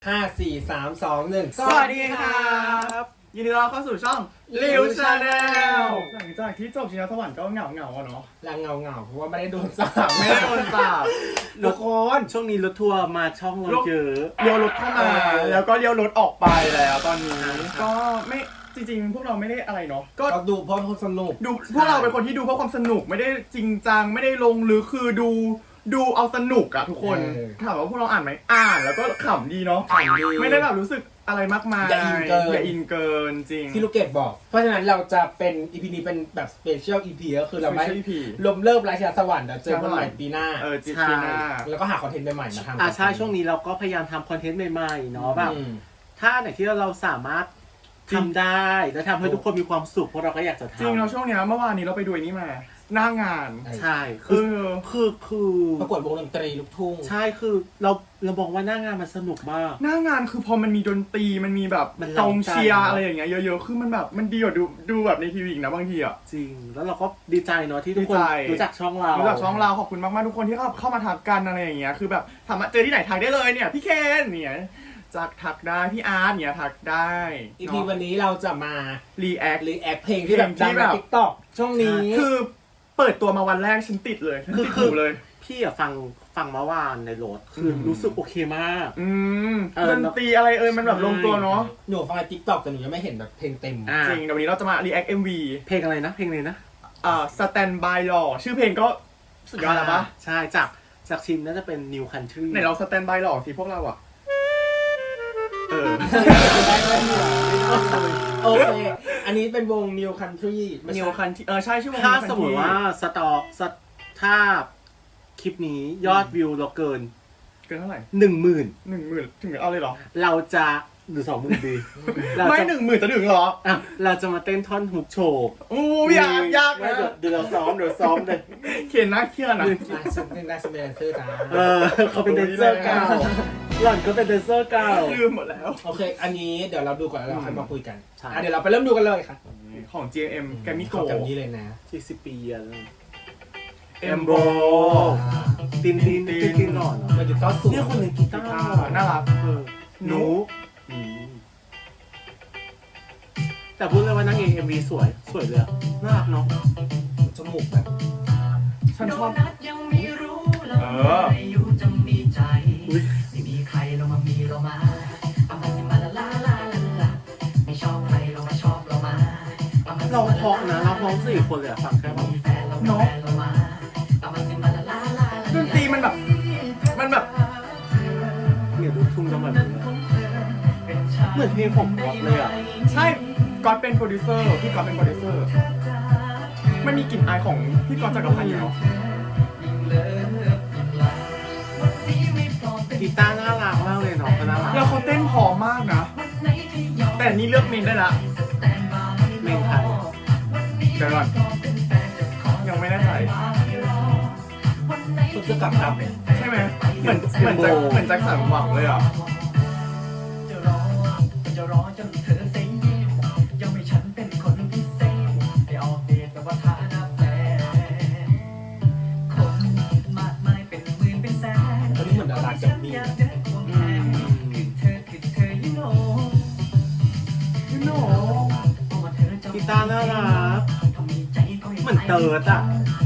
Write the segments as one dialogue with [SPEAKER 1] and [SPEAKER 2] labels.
[SPEAKER 1] 5 4 3 2 1
[SPEAKER 2] สวัสดีครับยินดีต้อนรับเข้าสู่ช่องลิวชาแนลหลังจากที่จบชิงช้าสวรรค์ก็เหงาๆเนาะ
[SPEAKER 1] ลังเงาเพราะว่าไม่ได้โดนสาบ
[SPEAKER 2] ไม่ได้โดนสาบ
[SPEAKER 1] ทุกคน
[SPEAKER 3] ช่วงนี้รถทัวร์มาช่องเราเยอะ
[SPEAKER 2] เลี้ยวรถเข้ามาแล้วก็เลี้ยวรถออกไปแล้วตอนนี้ก็ไม่จริงๆพวกเราไม่ได้อะไรเนาะ
[SPEAKER 1] ก็ดูเพราะความสนุก
[SPEAKER 2] ดูพวกเราเป็นคนที่ดูเพราะความสนุกไม่ได้จริงจังไม่ได้ลงหรือคือดูเอาสนุกอะทุกคนถามว่าพวกเราอ่านไหมอ่านแล้วก็ขำดีเนาะ
[SPEAKER 1] ขำดี
[SPEAKER 2] ไม่ได้แบบรู้สึกอะไรมากมาย
[SPEAKER 1] อย่าอินเกิน
[SPEAKER 2] อย่าอินเกินจริง
[SPEAKER 1] ที่ลูกเกดบอก เพราะฉะนั้นเราจะเป็น EP นี้เป็นแบบ Special EP ก็คือเราไม่
[SPEAKER 2] Special EP
[SPEAKER 1] ลมเลิกราชาสวรรค์เดี๋ยวเจอกันใหม่ปีหน้า
[SPEAKER 2] จีปีหน้า
[SPEAKER 1] แล้วก็หาคอนเทนต์ใหม่ๆมาทำ
[SPEAKER 3] ใช่ช่วงนี้เราก็พยายามทำคอนเทนต์ใหม่ๆเนาะแบบถ้าไหนที่เราสามารถทำได้และทำให้ทุกคนมีความสุขพวกเราก็อยากจะทำ
[SPEAKER 2] จริงเราช่วงนี้เมื่อวานนี้เราไปดูนี่มาหน้างาน
[SPEAKER 3] ใช่คือ
[SPEAKER 1] ประกวดวงดนตรีลูกทุ่ง
[SPEAKER 3] ใช่คือเราบอกว่าหน้างานมันสนุกมาก
[SPEAKER 2] หน้างานคือพอมันมีดนตรีมันมีแบบกองเชียร์อะไรอย่างเงี้ยเยอะๆคือมันแบบมันดีกว่าดูแบบในทีวีอีกนะบางทีอ่ะ
[SPEAKER 3] จริงแล้วเราก็ดีใจเนาะที่ทุกคนรู้จักช่องเรา
[SPEAKER 2] ขอบคุณมากๆทุกคนที่เข้ามาทักกันอะไรอย่างเงี้ยคือแบบสามารถเจอที่ไหนทักได้เลยเนี่ยพี่เคนเนี่ยจากทักได้พี่อาร์ตเนี่ยทักได้
[SPEAKER 1] EP วันนี้เราจะมา
[SPEAKER 2] react
[SPEAKER 1] เพลงที่แบบดังใน TikTok ช่วงนี้
[SPEAKER 2] คือเปิดตัวมาวันแรกฉันติดเลยคือเลย
[SPEAKER 3] พี่อะฟังเมื่อวานในรถคือรู้สึกโอเคมาก
[SPEAKER 2] ดนตรีอะไรมันแบบลงตัวเนาะ
[SPEAKER 1] หนูฟังใน TikTok แต่หนูยังไม่เห็นแบบเพลงเต็ม
[SPEAKER 2] จริงเดี๋ยววันนี้เราจะมา react MV
[SPEAKER 3] เพลงอะไรนะเพลงเลยนะ
[SPEAKER 2] Stand by Law ชื่อเพลงก็สุดยอดแล้วปะ
[SPEAKER 3] ใช่จากทีมน่าจะเป็น New Country
[SPEAKER 2] ไหนเรา Stand by Law สิพวกเราอะ
[SPEAKER 1] โอเคอันนี้เป็นวง New Country
[SPEAKER 2] New Country ใช่ชื่อวง
[SPEAKER 3] ถ้าสมมติว่าถ้าคลิปนี้ยอดวิวเราเกิน
[SPEAKER 2] เท่าไหร่
[SPEAKER 3] 10,000
[SPEAKER 2] ถึงเอาเลยเหรอ
[SPEAKER 3] เราจะหรือ20,000ดี
[SPEAKER 2] ไม่10,000จะถึงเหรอ
[SPEAKER 3] เราจะมาเต้นท่อนฮุกโชว์
[SPEAKER 2] ยากนะ
[SPEAKER 3] เดี๋ยวซ้อมเลย
[SPEAKER 2] เขียนนะเครียดนะ
[SPEAKER 1] เป็นแดนเซอร์จ้า
[SPEAKER 3] เขาเป็นแดนเซอร์เก่าหล่อนก็เป็นแดนเซอร์เก่า
[SPEAKER 2] ลืมหมดแล้ว
[SPEAKER 1] โอเคอันนี้เดี๋ยวเราดูก่อนแล้วเราค่อยมาคุยกันเดี๋ยวเราไปเริ่มดูกันเลยค่ะ
[SPEAKER 2] ของ GMM แกมมี่โก
[SPEAKER 1] แบบนี้เลยนะ
[SPEAKER 3] 40 ปีแล้ว
[SPEAKER 2] เอ็มโบ
[SPEAKER 3] ตินหล่อน
[SPEAKER 1] มันจะต้องสูง
[SPEAKER 3] เนี่ยคนเล่นกีตาร์
[SPEAKER 2] น่ารัก
[SPEAKER 3] หนูแต่พูดเลยว่านางเอก MV สวยเลยน่ารักเนาะ
[SPEAKER 1] จมูกแบบ
[SPEAKER 2] ฉันชอบ
[SPEAKER 4] อยู่จะมีใจไม่มีใครเรามามีเรามาเอามาสิมาลาลาลาลาไม่ชอบใครเรามาชอบเรามา
[SPEAKER 3] เราเพาะนะเราเพาะ4 คนเลยฟังแค่แบบ
[SPEAKER 2] เนาะดนตรีมันแบบ
[SPEAKER 3] เนี่ยลูกทุ่งต้องแบบเหมือนเพลงของก๊อตเลยอ่ะ
[SPEAKER 2] ใช่ก๊อตเป็นโปรดิวเซอร์พี่ก๊อตเป็นโปรดิวเซอร์มันมีกลิ่นอายของพี่ก๊อตจักรพันธ์เนาะ
[SPEAKER 3] กีตาร์น่ารักมากเลยเนาะน่ารัก
[SPEAKER 2] แล้วเขาเต้นพอมากนะแต่นี่เลือกเมนได้ละ
[SPEAKER 3] เมนไทย
[SPEAKER 2] เดี๋ยวก่อนยังไม่แน่ใจ
[SPEAKER 1] คุณจะกลับ
[SPEAKER 2] ใช่ไหมเหมือนแจ็คสันหวังเลยอ่ะ
[SPEAKER 4] จะรอจนเธอเซ็งยังไม่ฉันเป็นคนพิเศษไปออกเดทกับว่าฐานะแฟนคนมากมายเป็นหมื่นเป็นแสน
[SPEAKER 1] ตอนนี้เหมือนดาราจะมี
[SPEAKER 4] คือเธอ you know
[SPEAKER 3] กีตาร์น่ารักเหมือนเติร์ดอ่ะ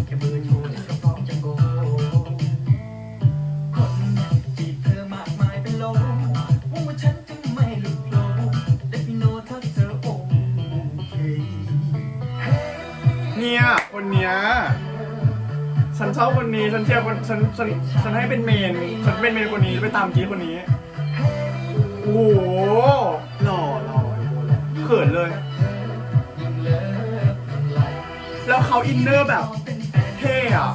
[SPEAKER 2] เนี่ยคนเนี้ยฉันชอบคนนี้ฉันเชียร์คนฉันให้เป็นเมนฉันเป็นเมนคนนี้ไปตามกี้คนนี้โอ้โห
[SPEAKER 3] หล่อ
[SPEAKER 2] เขินเลยแล้วเขาอินเนอร์แบบเท่อะ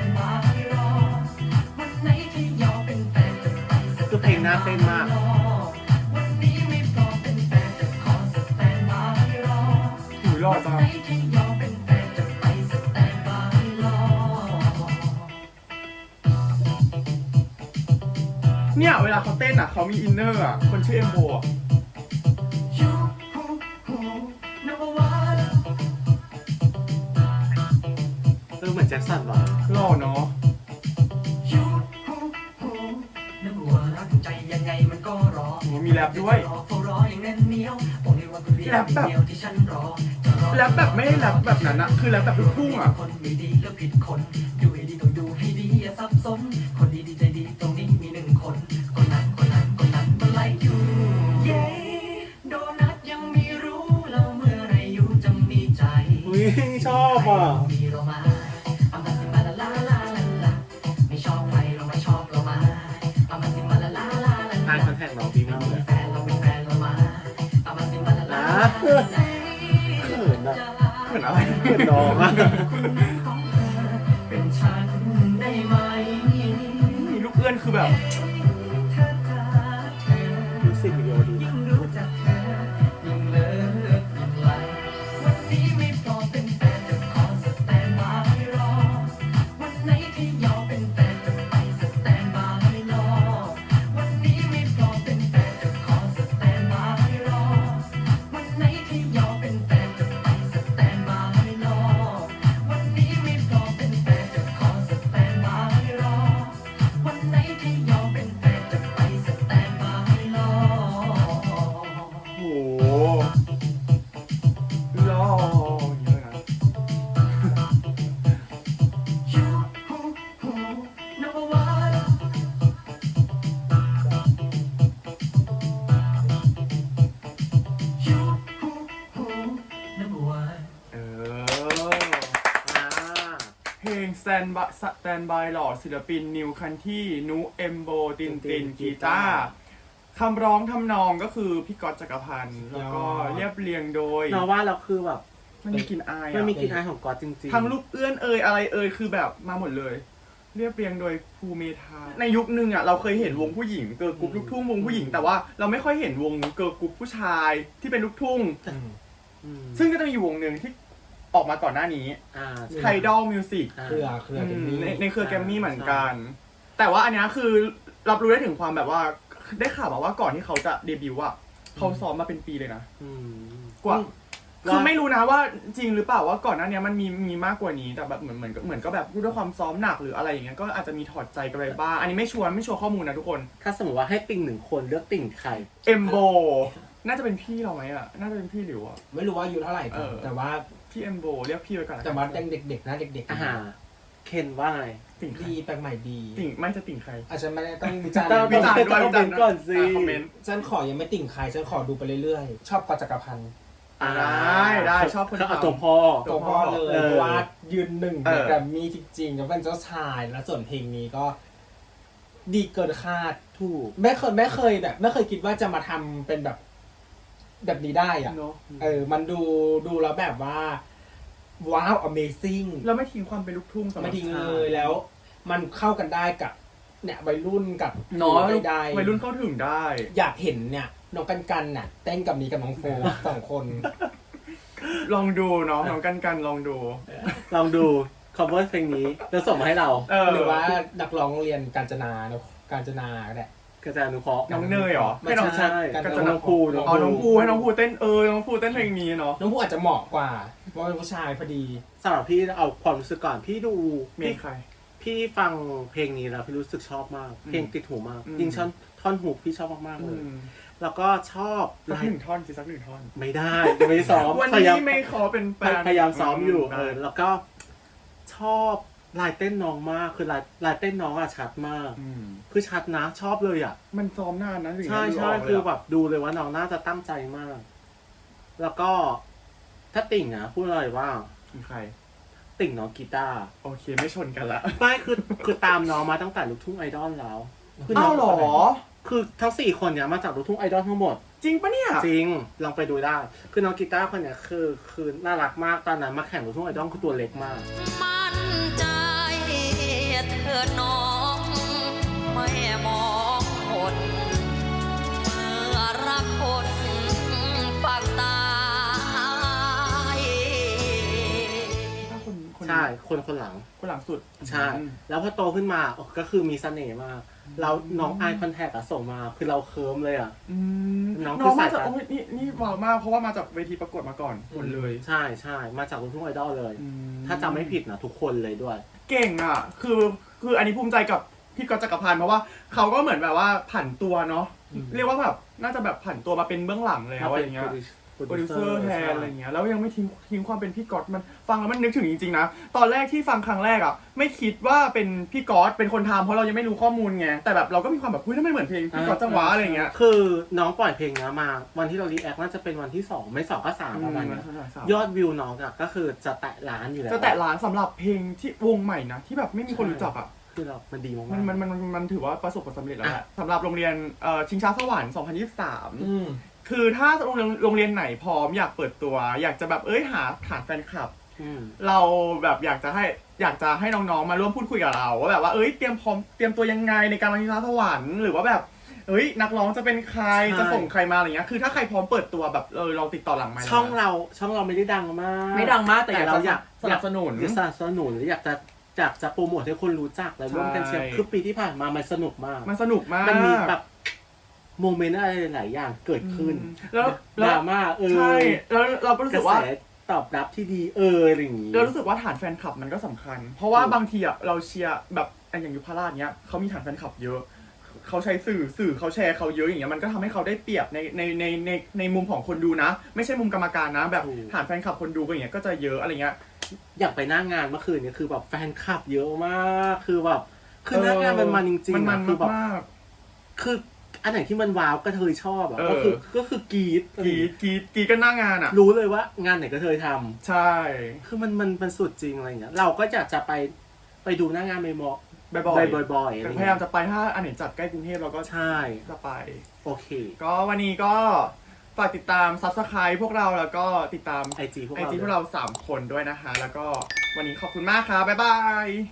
[SPEAKER 3] คือเพลงน่าเต้นมาก
[SPEAKER 2] หูหล่อจังเนี่ยเวลาเขาเต้นอ่ะเขามีอินเนอร์อ่ะคนชื่อเอ็มโบอ่ะ
[SPEAKER 3] เหมือนแจ็คสันหรอ
[SPEAKER 2] หล่อเนาะ
[SPEAKER 4] นึกว่ารักใจยังไงมันก็รอ
[SPEAKER 2] มีแรปด้วยแรปแบบแรปแบบไม่ได้แรปแบบนั้นนะคือแรปแบบลูกทุ่งอ่ะ
[SPEAKER 4] คนไม่ดีแล้วผิดคนดูให้ดีต้องดูให้ดีอย่าสับสนคนดีๆใจดีตรงนี้มี1 คนคนนั้นมันไล่อยู่เย้โดนัทยังไม่รู้แล้วเมื่อไรอยู่จะมีใจ
[SPEAKER 3] อุ้ยชอบอ่ะ
[SPEAKER 4] มีเรามาเอามาสิมาลาลาลาลาลาไม่ชอบใครเราไม่ชอบเรามาเอามาสิมาลาลาลาลา
[SPEAKER 3] ทายคอนแทคน้องพี่ไม่
[SPEAKER 4] เรา
[SPEAKER 3] มี
[SPEAKER 4] เป็นแฟนเราเป็นแฟนเรามาเอามาสิมาลาลา
[SPEAKER 3] เขินอ่ะเขินอะไรเขินน้องอ่ะ
[SPEAKER 4] เป็นฉันได้ไหม
[SPEAKER 2] มีลูกเอื้อนคือแบบ
[SPEAKER 4] ถ้าเธอ
[SPEAKER 3] มิวสิกวิดีโอดี
[SPEAKER 4] ยิ่งรู้จักเธอยิ่งเลิฟยิ่งไล่วันนี้ไม่พอเป็นแฟนจะขอสแตนบายรอวันไหนที่ยอมเป็นแฟนจะไปสแตนบายรอวันนี้ไม่พอเป็นแฟนจะขอสแตนบายรอวันไหนที่ยอมเป็นแฟนจะไปสแตนบายรอวันนี้ไม่พอเป็นแฟนจะขอสแตนบายรอวันไหนที่ยอมเป็นแฟนจะไปสแตนบายรอ
[SPEAKER 2] โอ้โหรอเยอะนะ
[SPEAKER 4] You number one You number one
[SPEAKER 2] เออ
[SPEAKER 3] อ่า
[SPEAKER 2] เพลง Stand by หล่อศิลปินนิวคันที่นุเอมโบตินกีตาร์คำร้องทำนองก็คือพี่ก๊อตจักรพันธ์แล้วก็เรียบเรียงโดย
[SPEAKER 3] เราว่าเราคือแบบ
[SPEAKER 2] มันมีกลิ่นอาย
[SPEAKER 3] มันมี
[SPEAKER 2] อะ
[SPEAKER 3] กลิ่นอายของก๊อตจริงๆ
[SPEAKER 2] ทั้งลูกเอื้อนอะไรคือแบบมาหมดเลย เรียบเรียงโดยภูเมธาในยุคนึงอ่ะเราเคยเห็นวงผู้หญิงเกิร์ลกรุ๊ปลูกทุ่งวงผู้หญิงแต่ว่าเราไม่ค่อยเห็นวงเกิร์ลกรุ๊ปผู้ชายที่เป็นลูกทุ่ง
[SPEAKER 3] อืม
[SPEAKER 2] ซึ่งก็จะมีวงหนึ่งที่ออกมาก่อนหน้านี้
[SPEAKER 3] อ่า
[SPEAKER 2] ไทดอลมิวสิก
[SPEAKER 1] เครือแกรมมี่
[SPEAKER 2] ในเครือแกรมมี่เหมือนกัน แต่ว่าอันเนี้ยคือรับรู้ได้ถึงความแบบว่าได้ข่าวมาว่าก่อนที่เขาจะเดบิวต์อะเขาซ้อมมาเป็นปีเลยนะ
[SPEAKER 3] อืม
[SPEAKER 2] กว่า
[SPEAKER 3] ว่า
[SPEAKER 2] คือไม่รู้นะว่าจริงหรือเปล่าว่าก่อนหน้านี้มันมีมากกว่านี้แต่แบบเหมือนก็แบบด้วยความซ้อมหนักหรืออะไรอย่างเงี้ยก็อาจจะมีถอดใจกันไปบ้างอันนี้ไม่ชัวร์ข้อมูลนะทุกคน
[SPEAKER 3] ถ้าสมมติว่าให้ติ่ง1 คนเลือกติ่งใคร
[SPEAKER 2] เอมโบน่าจะเป็นพี่เราไหมอะน่าจะเป็นพี่หลิวอะ
[SPEAKER 1] ไม่รู้ว่าอายุเท่าไหร่
[SPEAKER 2] เออ
[SPEAKER 1] แต่ว่า
[SPEAKER 2] พี่เอมโบเรียกพี่ไว้ก่อนละกัน
[SPEAKER 1] แต่ว่ายังเด็กๆนะเด็ก
[SPEAKER 3] อาหารเคนว่าไง
[SPEAKER 2] ติ่งใคร
[SPEAKER 1] ดีแปลกใหม่ดี
[SPEAKER 2] ติ่งไม่จะติ่งใคร
[SPEAKER 1] อาจจะไม่ได้ต้องวิจารณ์
[SPEAKER 3] ต้อง
[SPEAKER 2] วิจารณ์ด้วย
[SPEAKER 3] คอมเมนต์ก่อนสิ
[SPEAKER 2] คอมเมนต์
[SPEAKER 1] ฉันขอยังไม่ติ่งใครฉันขอดูไปเรื่อยๆ ชอบกอจักรพันธ์
[SPEAKER 2] ได้ชอบคน
[SPEAKER 3] เขาเอา
[SPEAKER 2] ทำ
[SPEAKER 3] ตัวพ่อ
[SPEAKER 1] ตัวพ่อเลย
[SPEAKER 3] เออ
[SPEAKER 1] เพราะว่ายืนหนึ่ง
[SPEAKER 2] เอ
[SPEAKER 1] ใน
[SPEAKER 2] อ
[SPEAKER 1] แกรมมี่จริงๆแล้วเป็นเจ้าชายแล้วส่วนเพลงนี้ก็ ดีเกินคาด
[SPEAKER 3] ถูก
[SPEAKER 1] ไม่เคยแบบไม่เคยคิดว่าจะมาทำเป็นแบบนี้ได้อ่ะ
[SPEAKER 2] เนาะ
[SPEAKER 1] มันดูแล้วแบบว่า ว้าว amazing
[SPEAKER 2] เราไม่ทิ้งความเป็นลูกทุ่งสำหรับ
[SPEAKER 1] ไม่ทิ้งเลยแล้ว มันเข้ากันได้กับเนี่ยวัยรุ่นกับ
[SPEAKER 2] เนาะ
[SPEAKER 1] ได้
[SPEAKER 2] วัยรุ่นเข้าถึงได้
[SPEAKER 1] อยากเห็นเนี่ยน้องกันเนี่ยเต้นกับนี้กับน้องโฟสองคน
[SPEAKER 2] ลองดูเนาะน้องกันลองดู
[SPEAKER 3] ลองดู cover เพลงนี้แล้วส่งมาให้เรา
[SPEAKER 1] หรือว่านักร้องโรงเรียนกาญจนาเนอะกาญจนาก็ได้
[SPEAKER 3] กระจายอนุเคราะห์
[SPEAKER 2] น้องเนยเหรอ
[SPEAKER 1] ไม่
[SPEAKER 2] ให้น้อง
[SPEAKER 1] ใช่
[SPEAKER 3] กัน
[SPEAKER 1] กัน
[SPEAKER 3] จะน้องภูน้อง
[SPEAKER 2] อ๋อน้องภูให้น้องภูเต้นน้องภูเต้นเพลงนี้เนาะ
[SPEAKER 1] น้องผู้อาจจะเหมาะกว่าเพราะเป็นผู้ชายพอดี
[SPEAKER 3] สำหรับพี่เอาความรู้สึกก่อนพี่ดู
[SPEAKER 2] เมนใคร
[SPEAKER 3] พี่ฟังเพลงนี้แล้วพี่รู้สึกชอบมาก เพลงติดหูมาก
[SPEAKER 2] อืม
[SPEAKER 3] ยิ่งท่อนหูพี่ชอบมากๆเลย แล้วก็ชอบ
[SPEAKER 2] สัก
[SPEAKER 3] ลาย
[SPEAKER 2] หนึ่งท่อนสิสักหนึ่งท่อน
[SPEAKER 3] ไม่ได้ยังไม่ได้ซ้อม
[SPEAKER 2] วัน
[SPEAKER 3] พยายาม
[SPEAKER 2] นี้ไม่ขอเป็นแฟน
[SPEAKER 3] พยายามซ้อมอยู่
[SPEAKER 2] ได้
[SPEAKER 3] แล้วก็ชอบลายเต้นน้องมากคือลายเต้นน้องอะชัดมาก
[SPEAKER 2] อืม
[SPEAKER 3] คือชัดนะชอบเลยอะ
[SPEAKER 2] มันซ้อมนานนะถึง
[SPEAKER 3] ใช่
[SPEAKER 2] จะดู
[SPEAKER 3] ใช่
[SPEAKER 2] กเลยะ
[SPEAKER 3] คือแบบดูเลยว่าน้องน่าจะตั้งใจมาก แล้วก็ถ้าติ่งนะพูดเลยว่า
[SPEAKER 2] มีใคร
[SPEAKER 3] ติ่งน้องกีตาร์
[SPEAKER 2] โอเคไม่ชนกันละ
[SPEAKER 3] ไม่คือตามน้องมาตั้งแต่ลูกทุ่งไอดอลแล้วคือน้
[SPEAKER 2] อ้าง วเหรอ
[SPEAKER 3] คือทั้ง4 คนเนี้ยมาจากลูกทุ่งไอดอลทั้งหมด
[SPEAKER 2] จริงปะเนี่ย
[SPEAKER 3] จริงลองไปดูได้ คือน้องกีตาร์คนเนี้ยคือน่ารักมากตอนนั้นมาแข่งลูกทุ่งไอดอลคือตัวเล็กมาก
[SPEAKER 5] มั่นใจเธอน้องไม่มองคนเมื่อรักคนปากตาย
[SPEAKER 2] คน
[SPEAKER 3] ใช่คนหลัง
[SPEAKER 2] คนหลังสุด
[SPEAKER 3] ใช่ แล้วพอโตขึ้นมาก็คือมีเสน่ห์มาก แล้วน้องไอคอนแทคอะส่งมา คือเราเคิร์มเลยอะ
[SPEAKER 2] อืม
[SPEAKER 3] น้อง
[SPEAKER 2] น้องมา
[SPEAKER 3] คือสาย
[SPEAKER 2] จาก
[SPEAKER 3] การ
[SPEAKER 2] โอ้ยนี่ว้าวมากเพราะว่ามาจากเวทีประกวดมาก่อนหมดเลย
[SPEAKER 3] ใช่มาจากลูกทุ่งไอดอลเลย
[SPEAKER 2] อืม
[SPEAKER 3] ถ้าจำไม่ผิดนะทุกคนเลยด้วย
[SPEAKER 2] เก่งอ่ะ คืออันนี้ภูมิใจกับพี่ก๊อตจักรพันธ์เพราะว่าเขาก็เหมือนแบบว่าผันตัวเนาะ เรียกว่าแบบน่าจะแบบผันตัวมาเป็นเบื้องหลังแล้วอะไรเงี้ยโปรดิวเซอร์แทนอะไรเงี้ยแล้วยังไม่ทิ้งความเป็นพี่ก๊อตมันฟังแล้วมันนึกถึงจริงๆนะตอนแรกที่ฟังครั้งแรกอ่ะไม่คิดว่าเป็นพี่ก๊อตเป็นคนทำเพราะเรายังไม่รู้ข้อมูลไงแต่แบบเราก็มีความแบบเฮ้ยทำไมเหมือนเพลงพี่ก๊อตจังหวะอะไรเงี้ย
[SPEAKER 3] คือน้องปล่อยเพลงนี้มาวันที่เรารีแอคน่าจะเป็นวันที่2ไม่2ก็3ประมาณนี้ยอดวิวน้องอะก็คือจะแตะล้านอยู่แล้ว
[SPEAKER 2] จะแตะล้านสำหรับเพลงที่วงใหม่นะที่แบบไม่มีคนรู้จักอ่ะ
[SPEAKER 3] คือเรามันดีมาก
[SPEAKER 2] มันถือว่าประสบผลสำเร็จแล้วแหละสำหรับโรงเรียนชิงช้าสวรรค์ 2023 คือถ้าโรงเรียนไหนพร้อมอยากเปิดตัว อยากจะแบบหาฐานแฟนคลับ เราแบบอยากจะให้น้องๆมาร่วมพูดคุยกับเราว่าแบบว่าเตรียมตัวยังไงในการมาชิงช้าสวรรค์หรือว่าแบบนักร้องจะเป็นใครจะส่งใครมาอะไรเงี้ยคือถ้าใครพร้อมเปิดตัวแบบเราติดต่อหลังไมค์
[SPEAKER 3] ช่องเราไม่ได้ดังมาก
[SPEAKER 2] ไม่ดังมากแต่เราอยากสนับสนุน
[SPEAKER 3] หรืออยากจะโปรโมทให้คนรู้จักและร่วมกันเชียร์คือปีที่ผ่านมามันสนุกมากมันมีแบบโมเมนต์อะไรหลายอย่างเกิดขึ้น
[SPEAKER 2] แล้ว
[SPEAKER 3] ดราม่า
[SPEAKER 2] ใช่แล้วเราก็รู้สึกว่า
[SPEAKER 3] ตอบรับที่ดีอะไรอย่างงี้
[SPEAKER 2] เรารู้สึกว่าฐานแฟนคลับมันก็สำคัญเพราะว่าบางทีอ่ะเราเชียร์แบบอย่างยุพราชเนี้ยเขามีฐานแฟนคลับเยอะเขาใช้สื่อเขาแชร์เขาเยอะอย่างเงี้ยมันก็ทำให้เขาได้เปรียบในมุมของคนดูนะไม่ใช่มุมกรรมการนะแบบฐานแฟนคลับคนดูก็อย่างเงี้ยก็จะเยอะอะไรเงี้ย
[SPEAKER 3] อยากไปหน้างานเมื่อคืนเนี่ยคือแบบแฟนคลับเยอะมากคือแบบคือหน้างานมันจริงๆคือแบบคืออันไหนที่มันว้าวก็เธอชอบอ่ะก็คือกรี๊ด
[SPEAKER 2] กันหน้างานอ่ะ
[SPEAKER 3] รู้เลยว่างานไหนก็เธอทำ
[SPEAKER 2] ใช่
[SPEAKER 3] คือมันสุดจริงอะไรเงี้ยเราก็อยากจะไปดูหน้างานบ่อย
[SPEAKER 2] ๆพยายามจะไปถ้าอันไหนจัดใกล้กรุงเทพเราก็
[SPEAKER 3] ใช่
[SPEAKER 2] จะไป
[SPEAKER 3] โอเค
[SPEAKER 2] ก็วันนี้ก็ฝากติดตาม Subscribe พวกเราแล้วก็ติดตาม
[SPEAKER 3] IG พวกเรา
[SPEAKER 2] 3 คนด้วยนะคะแล้วก็วันนี้ขอบคุณมากครับบ๊ายบาย